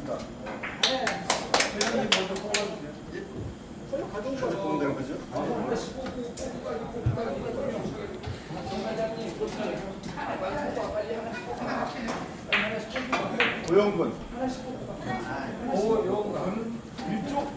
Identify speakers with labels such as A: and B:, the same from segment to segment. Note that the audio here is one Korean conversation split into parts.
A: 회장님 먼저 뽑아주세요. 가져온 대로 그죠? 오영근. 오영근. 이쪽?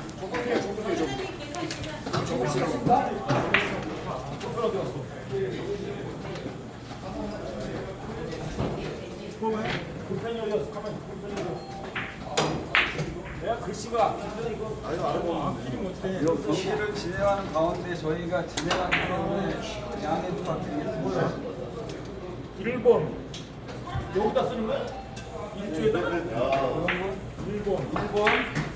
B: 불펜이 열렸어. 가만히 불펜이 열렸어. 내가 글씨가 길이 못해.
C: 경기를 진행하는 가운데 저희가 진행하는 가운데 양해 좀 부탁드리겠습니다.
B: 1번 여기다 쓰는 거야? 1조에다가 1번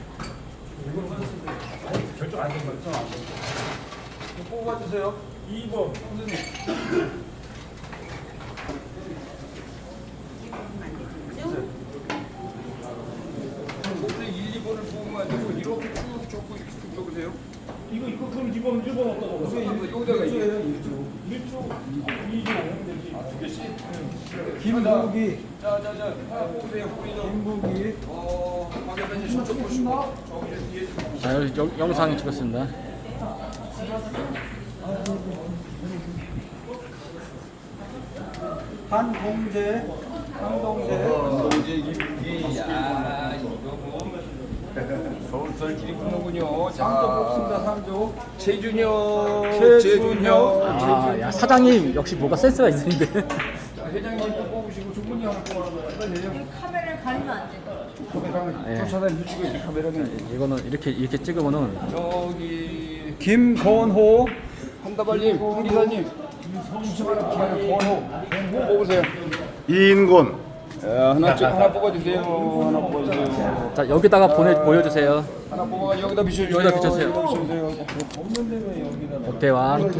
B: 아니 결정 안 된 거죠?
C: 뽑아주세요.
B: 2번
C: 보통 1, 2번을 뽑으면 안 되고 이렇게 쭉 적고 쭉 적으세요.
B: 이거 그럼 1번 어디다가
C: 여기다가
B: 1조 2조 두 개씩.
C: 김국이. 자자자 하나 뽑으세요. 김국이. 박 대표님 저쪽 보시고 저기 뒤에 좀.
D: 영상 찍었습니다.
C: 한동재. 한동재 김국이. 야 이거 뭐 서울설 길이 붙는군요. 3조 뽑습니다. 3조. 최준혁.
D: 아, 야, 사장님 역시 뭐가 센스가 있으신데.
C: 자, 회장님 뽑으시고 주문이 하나 뽑아주세요.
E: 카메라를 가리면 안 돼.
D: 예.
C: 쫓아다니는 주고 이렇게 카메라는
D: 이거는 이렇게 찍으면은
C: 저기 김건호 한다발님 홍기사님 김건호 뽑으세요.
A: 이인곤.
C: 하나 뽑아주세요. 하나 뽑아주세요.
D: 자 여기다가 보여주세요.
C: 하나 뽑아 여기다 비춰주세요.
D: 여기다 비춰주세요.
C: 없는데 왜 여기다?
D: 오태환.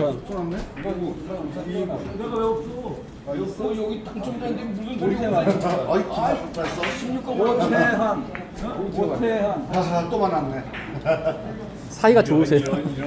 B: 내가 왜 없어?
C: 여기 당첨자인데 무슨 소리가 나요?
A: 아이 기분 좋았어.
C: 16번 오태한.
A: 하하 또 만났네.
D: 사이가 좋으세요.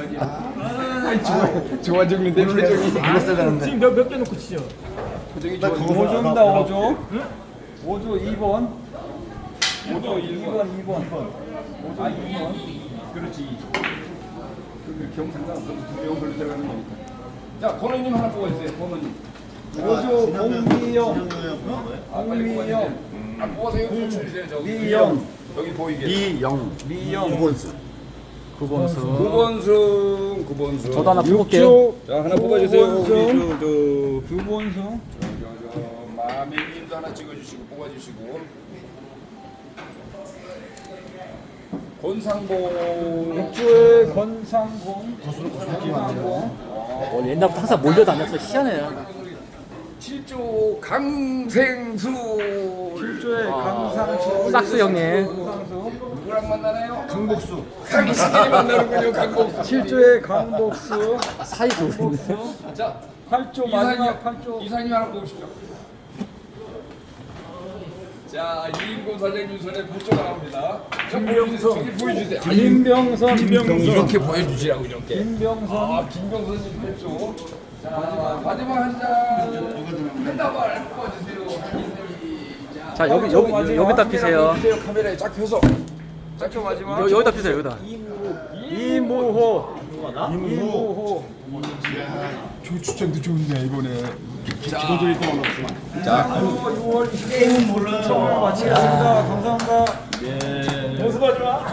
C: 좋아 죽는데 표정이.
A: 그랬어야 되는데.
B: 지금 몇 개 놓고 치죠?
C: 표정이
A: 나
C: 좋아.
A: 그거
C: 5조입니다. 5조. 5조 2번. 5조 1번 2번. 5조 2번. 그렇지. 그 경상가 두명 걸로 들어가는 거니까. 자, 권호님 하나 뽑아주세요. 권호님. 5조 공미영. 공미영. 뽑아서 여기 붙여주세요. 저기. 미영. 여기 보이게. 미영.
A: 이본수.
D: 구본수.
C: 구본수.
D: 저도 하나 뽑을게요.
C: 자, 하나 뽑아주세요. 우리 구본수. 마미님도 하나 찍어주시고 뽑아주시고. 권상봉. 육조의 권상봉.
D: 옛날부터 항상 몰려다녔어. 희한해요.
C: 7조 강생수. 7조의 강상수.
D: 싹스 형님.
C: 누구랑 만나나요? 강복수. 강복수끼리 만나는군요. 강복수. 7조의 강복수.
D: 사이 좋으신데.
C: 자, 8조 마지막 8조. 이사님 하나 뽑으십시오. 자, 이인곤 사장님 손에 8조가 나옵니다. 김병선. 저기 보여주세요. 김병선. 이렇게 보여주시라고 이렇게. 김병선. 아, 김병선님 8조. 자, 마지막 한 장. 한 다발 뽑아주세요.
D: 자 여기다 피세요.
C: 카메라에 쫙 펴서. 쫙 마지막.
D: 여기다 피세요. 여기다.
C: 이무호. 저 추천도 좋은데 이번에. 기본적인 또 만났어. 자, 6월 20일 게임은 몰라요. 마치겠습니다. 감사합니다.
B: 연습하지 마.